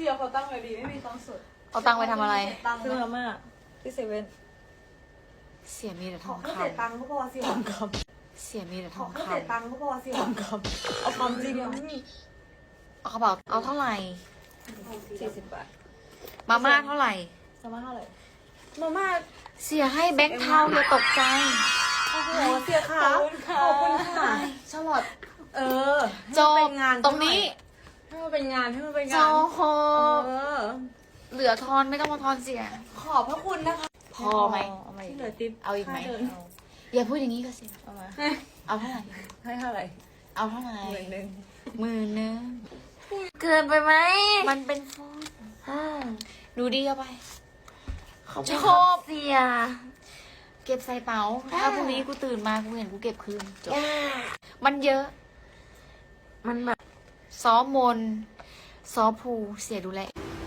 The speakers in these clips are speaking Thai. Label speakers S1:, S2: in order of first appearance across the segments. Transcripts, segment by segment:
S1: สียเขาตั้งไว้ดีไม่มีตังค์สด
S2: เอาตังค์ไปทำอะไร
S1: ซื้อมาม่าที่เซเว่น
S2: เสียมีแต่ทอง
S1: ไม่
S2: ค
S1: เสียตังค์ก็พอเสีย
S2: ำเสียมีแต่ทอง
S1: ไม่
S2: ค
S1: เสียตังค์ก็พอเสีย
S3: เอาความจริง
S2: ำเอากระเป๋าเอาเท่าไหร่
S1: 40 บาท
S2: มาม่าเท่าไหร่
S1: มาม่าเท่าไหร่มาม่า
S2: เสียให้แบงค์เทาอย่าตกใจ
S1: โอ้โหเสียค่ะขอบคุณค่ะชลอด
S2: จบ
S1: เป็นงาน
S2: ตรงนี้
S1: ให้มันเป็นงานให้มันเป็น
S2: จ
S1: งาน
S2: บเหลือทอนไม่ต้องมาทอนเสีย
S1: ขอบพระคุณนะคะ
S2: พอไหม
S1: ที่เหลือติ๊บ
S2: เอาอีกไหม
S1: ค่ดิน
S2: อย่าพูดอย่างนี้ก็เสีย
S1: เอามา
S2: เอาเท่าไหร่
S1: ให้เท่าไหร่
S2: เอาเท่าไหร่
S1: 10,000
S2: 10,000
S3: เกินไปไหม
S2: มันเป็นฟอนต์ดูดีเอาไป
S3: ชอบเสีย
S2: เก็บใส่เป๋า ถ้าพรุ่งนี้กูตื่นมากูเห็นกูเก็บคืนจบมันเยอะ
S3: มันแบบ
S2: ซ้อมมนซ้อภูเสียดูแล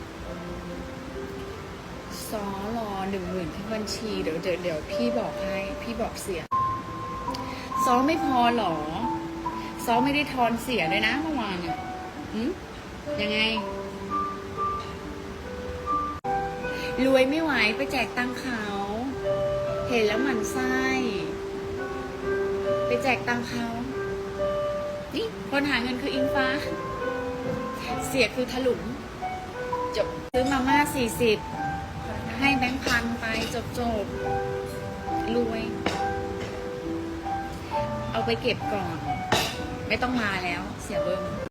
S2: ซ้อรอ10,000ที่บัญชีเดี๋ยวพี่บอกให้พี่บอกเสียซ้อไม่พอหรอซ้อไม่ได้ทอนเสียเลยนะเมื่อวานเนี่ยยังไง รวยไม่ไหวไปแจกตังค์เขา เห็นแล้วหมั่นไส้ไปแจกตังค์เขา นี่คนหาเงินคืออิงฟ้า เสียคือถลุงจบซื้อมาม่า40ให้แบงค์พันไปจบรวย เอาไปเก็บก่อน ไม่ต้องมาแล้ว เสียเบิ้ม